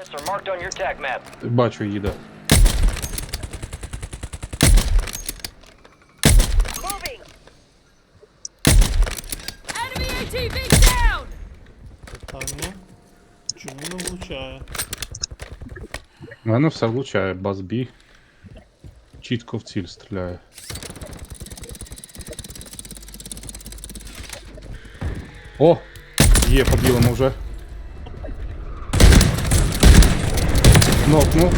coordinates are marked on your tag map. Бачу, їде. Moving. Enemy ATV down! Питання. Чому не влучає? У мене все влучає, базбі. Чітко в ціль стріляє. О! Є, по білому вже. Нокнув.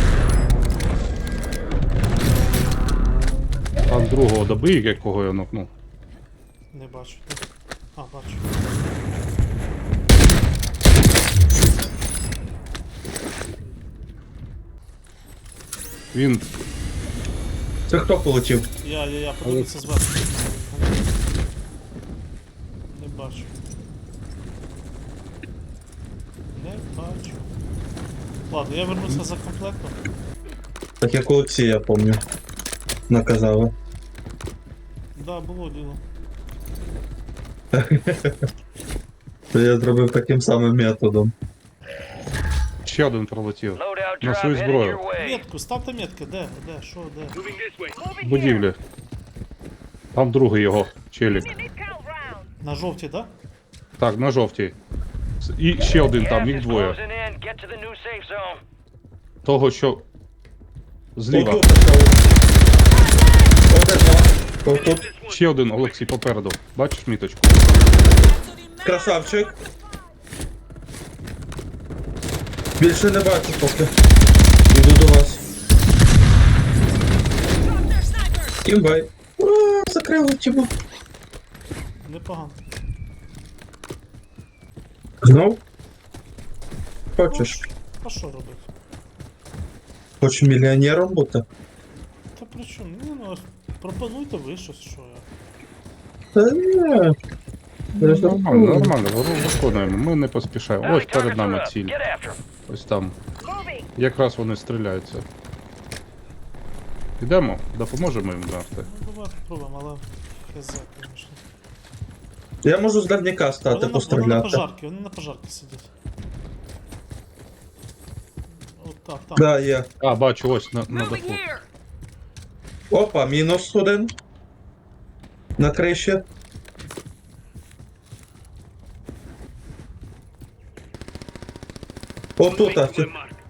Там другого добив, якого я нокнув. Не бачу. Де? А, бачу. Він Це хто полетів? Я подивлюся зверху. Не бачу. Не бачу. Ладно, я вернуся за комплектом. Так як Олексія, помню. Наказали. Да, було діло. То я зробив таким самим методом. ще один пролетів. Loadout На drop свою headed зброю. your way. Метку, ставте метки, де? Де? Що, де? В будівлі. Там другий його челік. На жовтій, да? Так, на жовтій. І ще один там, Gas їх is двоє. closing in. Get to the new safe zone. Того, що зліва. Отут. Отут. Ще один, Олексій, попереду. Бачиш міточку? Красавчик. Більше не бачу поки. Іду до вас. Імбай. Ура, закрили тіму. Непогано. Знов? Хочеш? А що робити? Хочеш мільйонером бути? Та при чому? Ну, пропонуйте ви щось, що я. Та ні. Нормально, нормально, виконуємо. Ми не поспішаємо. Ось Bounty перед targets нами are up. ціль. Get after 'em. Ось там. Якраз вони стріляються. Йдемо, допоможемо їм завжди. Ну, давайте спробуємо, але хз, звісно. Я можу з дальняка стати, Вони на постріляти. пожарки, вони на пожарки сидять. От так, там. Да, є. А, бачу, ось на Moving даху. here! Опа, мінус один. На криші. Отут, а.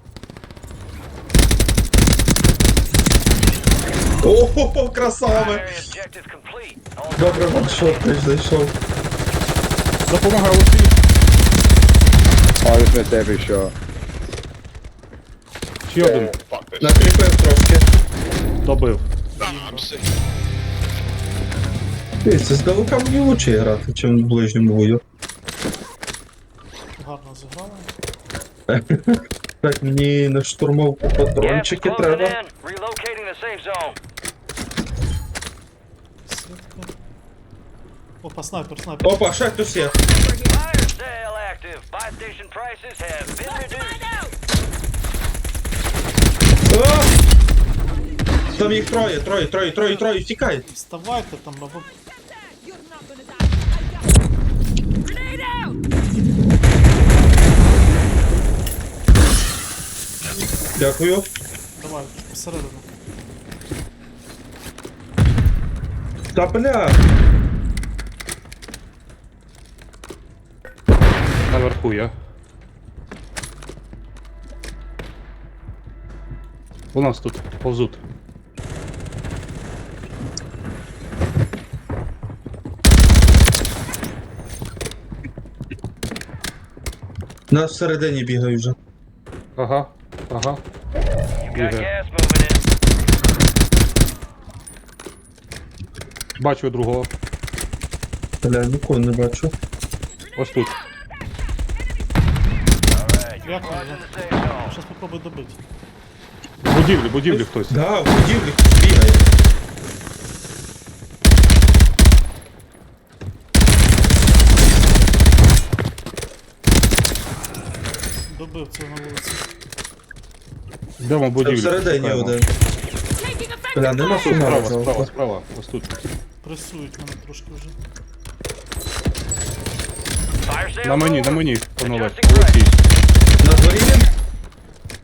Ого, красава! Primary objective complete. All Добре, ваншот ти ж зайшов. Допомагай, Олексій! I just missed every shot. Ще один. Накріпив трошки. Добив. Дивіться, здалека мені лучше грати, чим в ближньому бою. Гарно зіграли. Так, мені на штурмовку gas is патрончики closing треба. in. Relocating the safe zone. Сітка. Опа, снайпер, снайпер. Опа, ще хтось є. Fire sale active. Buy station prices have been reduced. А! Там їх троє, втікай. Вставайте там, або... Grenade out! Дякую. Давай, всередину. Та бля. Наверху я. У нас тут повзуть. Нас всередині бігають вже. Ага, ага. You got Бігає. gas moving in. Бачу другого. Бля, нікого не бачу. Ось тут. Alright, you're Як closing воно? the safe zone. Щас попробуй добити. В будівлі хтось. Да, в будівлі хтось бігає. Добив цього на вулиці. Йдемо в Та будівлю. всередині шукаємо. один. Taking effective Бля, нема fire! сумара. Справа. Ось тут. Пресують мене трошки вже. Fire sale На мені, over. панове. Adjusting Олексій. На дворі він?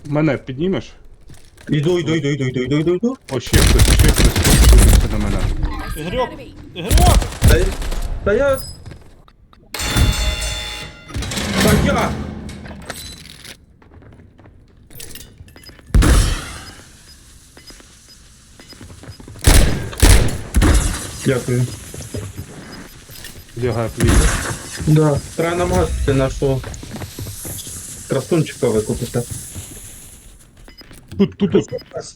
Мене піднімеш? Іду. О, ще хтось дивиться на мене. Ігорьок! Enemy. Ігорьок! Та я... Та я... Дякую. Лягає пліт. Да. Треба намагатися нашого красунчика викупити. Тут.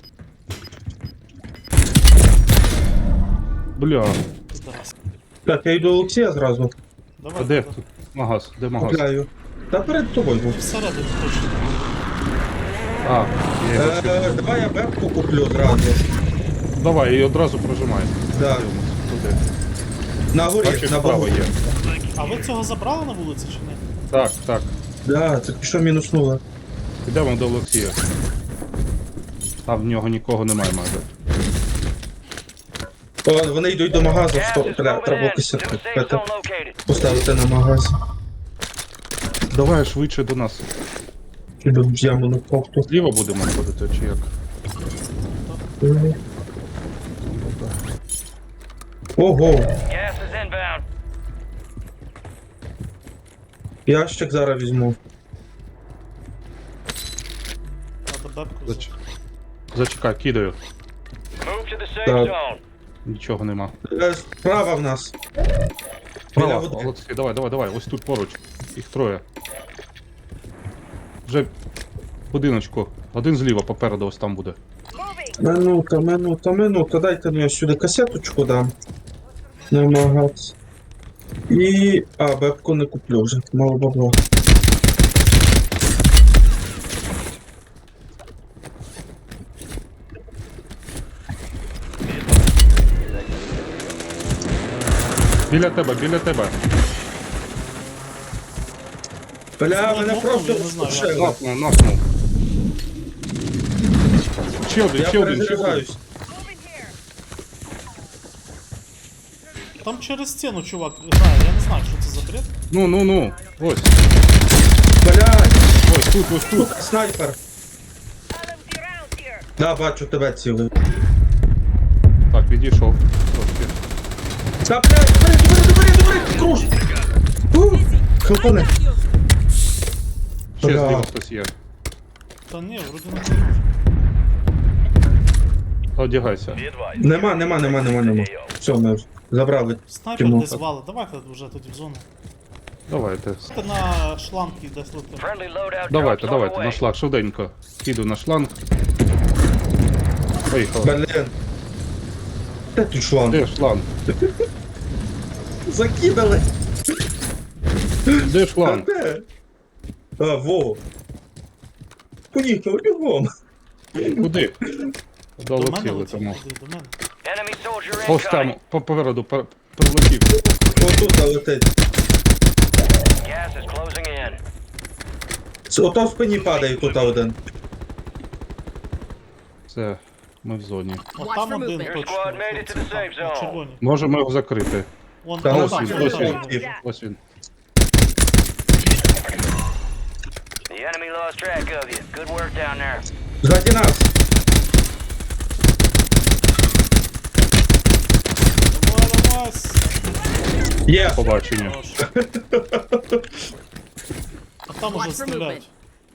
Бля, Зараз. Так, я йду до Олексія зразу. а Давай. де давай. тут? Магаз, де магаз? Купляю. Та перед тобою був. Всередину точно. А, я його ще- Давай я бебку куплю зразу. Давай, і одразу прожимай. Да. Туди. На горі, Бачиш, на справа богу. є. А ви цього забрали на вулиці чи ні? Так. Да, це що мінуснуло. Підемо до Олексія. Там в нього нікого немає майже. О, вони йдуть до магазу, Gas що is треба moving in. якось New safe zone located. поставити на магаз. Давай швидше до нас. Іду в яму на кофту. Зліва будемо ходити, чи як? Ого, Gas is inbound. ящик зараз візьму. Надо бебку Зач- взяти. Зачекай, кидаю. Move to the safe Так. zone. Нічого нема. Справа в нас. Права, Біля води. Олексій, давай. Ось тут поруч. Їх троє. Вже в будиночку. Один зліва, попереду ось там буде. Минута. Дайте мені сюди касеточку дам. На магаз. І... А, бебку не куплю вже, мало бабла. Біля тебе. Бля, мене Ну, просто я не знаю, розпушило. Напнув. Ще один. Я перезаряджаюсь. Там через стіну чувак грає, я не знаю, що це за бред. Ну. Ось. Блядь, Ось тут. снайпер. Да, бачу тебе цілий. Так, відійшов. Трошки. Та, блядь, добре, круж! Хлопане. Ще Бля. зліва хтось є. Та ні, вроді не може. Одягайся. Be advised. Нема. Все, ми забрали. Снайпер Кіно. десь вали, давайте вже тоді в зону. Давайте. Ти на шланки десь летим. Friendly loadout Давайте, drops on the на way. шланг, швиденько. Іду на шланг. Поїхали. Блін. Де тут шланг? Де шланг? Закидали. Де Та шланг? де? А, во. Поїхав, бігом. Куди? До мене Долетіли летів, тому. куди, до мене. Enemy soldier Ось там, incoming. попереду, прилетів. Отут летить. Gas is closing in. Ото в спині падає тут один. Все, ми в зоні. От Watch там for один movement. Your точно. squad made it to the Оце safe там, на zone. червоній. Можемо його закрити. Вон Та там, ось там, він, там, ось там. він. Ось він. The enemy lost track of you. Good work down there. Ззаді нас. Давай. Є. Побачення. Хорош. А там уже Watch for стріляють.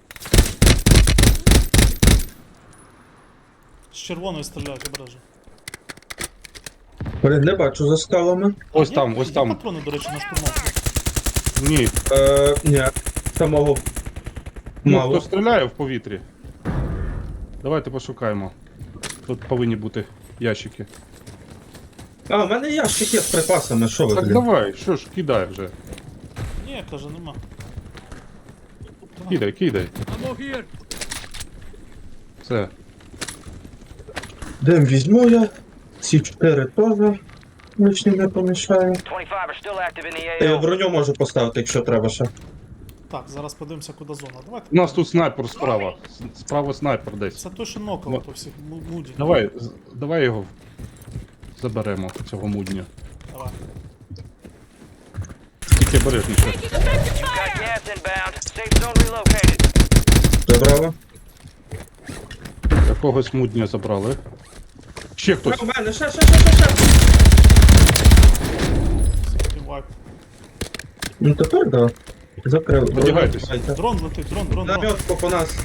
З червоної стріляють, обережно. Блін, не бачу за скалами. Ось Є- там, ось є там. патрони, до речі, на штурмовку. Ні. Ні. Самого Ну, мало. хто стріляє в повітрі? Давайте пошукаємо. Тут повинні бути ящики. А, в мене ящик є з припасами, що ви, Так блін? давай, що ж, кидай вже. Ні, каже, нема. Кидай. Ammo here. Все. Дим візьму я. Ці 4 теж. Лишні не помішаю. 25 are still active in the Я AO. броню можу поставити, якщо треба ще. Так, зараз подивимося, куди зона. Давайте. У нас тут снайпер справа. Справа снайпер десь. Це той, що нокав по всіх муді. Давай його заберемо, цього мудня. Давай. Тільки обережніше. Taking effective Got fire. gas inbound. Safe zone relocated. Забрала. когось мудня забрали. Ще хтось. У мене, ще. Ти вайп. Ну тепер да. Закрив. Одягайтесь. Давайте. Дрон летить, дрон. Наметку по нас.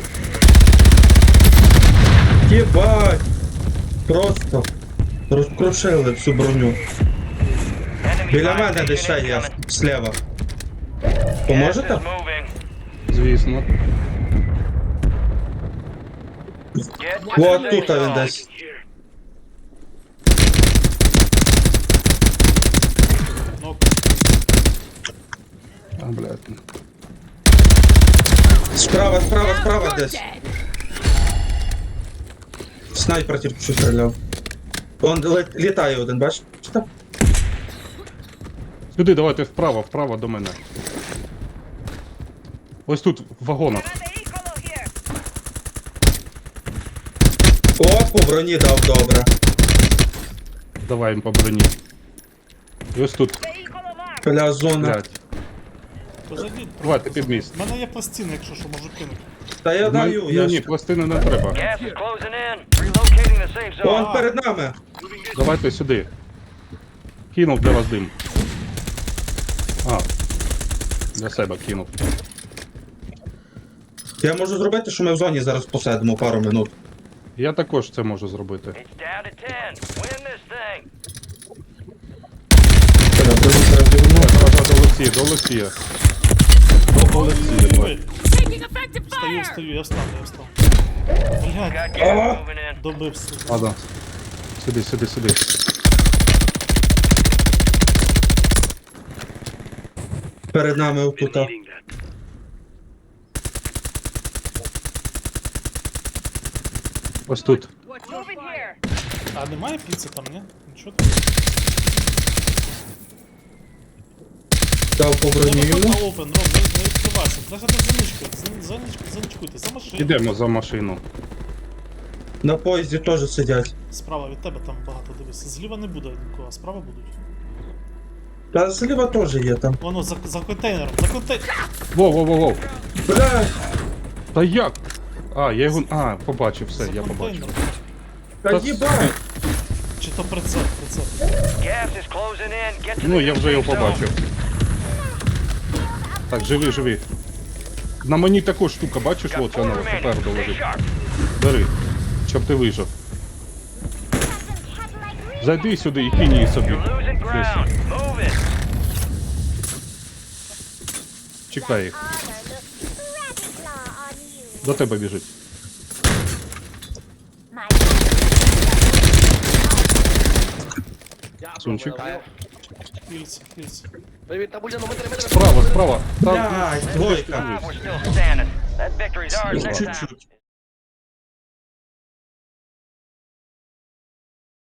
Єбать! Просто розкрушили всю броню. Enemy Біля buy мене десь ще station є, incoming. слева. Gas is Поможете? moving. Звісно. Get to Вот the тут safe він zone. десь. Ну, А, блядь. Справа You're десь. dead. Снайпер тільки що стріляв. Он літає один, бачите? Сюди, давайте вправо до мене. Ось тут, в вагонах. О, по броні дав добре. Давай їм по броні. І ось тут, Бля, зона. блядь. то зайдіть. Давайте під міст. У мене є пластини, якщо що, можу кинути. Та я даю, Ні, я ні, ж. пластини не треба. Gas is closing in. Relocating the safe zone. Он перед нами. Давайте сюди. Кинув для вас дим. А. Для себе кинув. Я можу зробити, що ми в зоні зараз посидимо пару минут. Я також це можу зробити. It's down to 10. Win this thing. Бля, броню треба дивно. До Олексія, до Олексія. До Олексія, давай. Ой, Taking effective fire. встаю, я встав. Блядь, Got gas moving in. добився. Ладно. Сюди. Перед нами отута. Ось тут. А немає піци там, ні? Нічого там. Дав по Я броні виходь йому. на open, Ром, не відкривайся. Лежати за ничкою, заничкуйте, за машину. Ідемо за машину. На поїзді теж сидять. Справа від тебе там багато, дивись. Зліва не буде нікого, а справа будуть. Та зліва теж є там. Воно, за контейнером, за контейнером. Воу. Бля, Та як? А, я його. А, побачив, все, я побачив. та їбать. Чи то прицеп. Gas is closing in. Get to Ну, the я new вже його safe zone. побачив. Так, живи. На мені також штука, бачиш, Got от four вона remaining. попереду Stay лежить. sharp. Бери, щоб ти вижив. Зайди сюди і кинь її собі. You're losing Десь. ground. Move it. Чекай їх. Honor looks rather claw on you. До тебе біжить. My Сунчик. Хільці. Справа. Та, Блядь, двойка. We're still standing. That victory's ours this time. Чуть-чуть.